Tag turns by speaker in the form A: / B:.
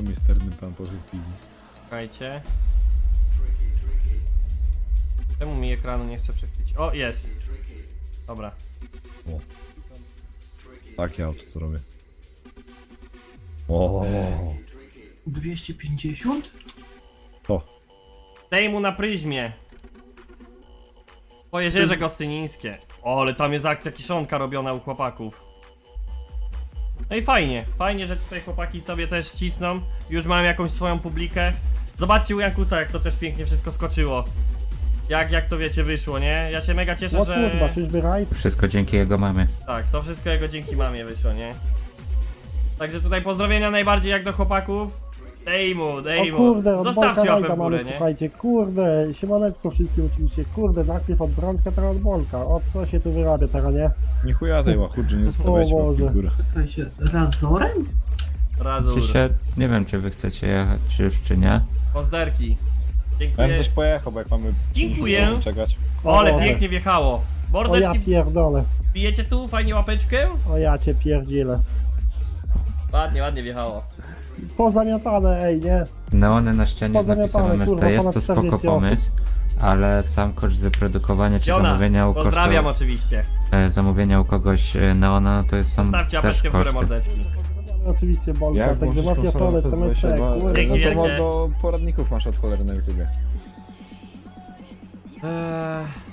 A: O, misterny pan poszedł w piwni.
B: Czekajcie. Czemu mi ekranu nie chce przechwycić? O, jest! Dobra.
A: O. Takie auto co robię. O.
C: 250?
A: To.
B: Daj mu na pryzmie. Po jeziorze Gostynińskie. O, ale tam jest akcja kiszonka robiona u chłopaków. No i fajnie, fajnie, że tutaj chłopaki sobie też cisną. Już mam jakąś swoją publikę. Zobaczcie u Jankusa, jak to też pięknie wszystko skoczyło. Jak to wiecie wyszło, nie? Ja się mega cieszę,
D: O
B: że...
D: kurwa, czyżby rajd?
E: Wszystko dzięki jego mamie.
B: Tak, to wszystko jego dzięki mamie wyszło, nie? Także tutaj pozdrowienia najbardziej jak do chłopaków. Dej mu.
D: O kurde, od
B: Zostawcie
D: Bolka
B: łapę
D: rajda
B: w górę,
D: mamy,
B: nie?
D: słuchajcie, kurde, siemaneczko wszystkim oczywiście, kurde, najpierw od Brączka, teraz od Bolka, o co się tu wyrabia teraz, nie?
A: Nie chuja tej łachudży, nie zostawiajcie
D: O
A: łapki w
D: Boże.
A: górę.
C: Pytaj się, razorem?
B: Razur.
E: Czy się, nie wiem czy wy chcecie jechać, czy już czy nie.
B: Pozderki.
A: Ja bym
B: Dziękuję.
A: coś pojechał, bo jak mamy...
B: Dziękuję.
A: Czekać.
B: O, ale
D: Boże.
B: pięknie wjechało.
D: O ja
B: Bordeczki,
D: pierdolę,
B: bijecie tu? Fajnie łapeczkę?
D: o ja cię pierdzielę.
B: Ładnie wjechało.
D: Pozamiatane, ej, nie?
E: Neony na ścianie z
D: Pozamiatane,
E: napisem
D: kurwa,
E: MST, jest
D: ponad
E: to spoko
D: 40 osób.
E: pomysł, ale sam koszt wyprodukowania czy
B: Jona,
E: zamówienia u
B: pozdrawiam
E: kosztu,
B: oczywiście.
E: zamówienia u kogoś neona, to jest sam
B: Zostawcie
E: też
B: łapeczkę w górę,
E: koszty.
B: mordeczki.
D: Oczywiście Bolka, także
A: możesz
D: mafia
A: konsolować,
D: Sole,
A: to
D: CMST,
A: weź, bo-
D: kurde,
B: Dzięki
A: No to
B: wielkie.
A: do poradników masz od cholery na YouTubie.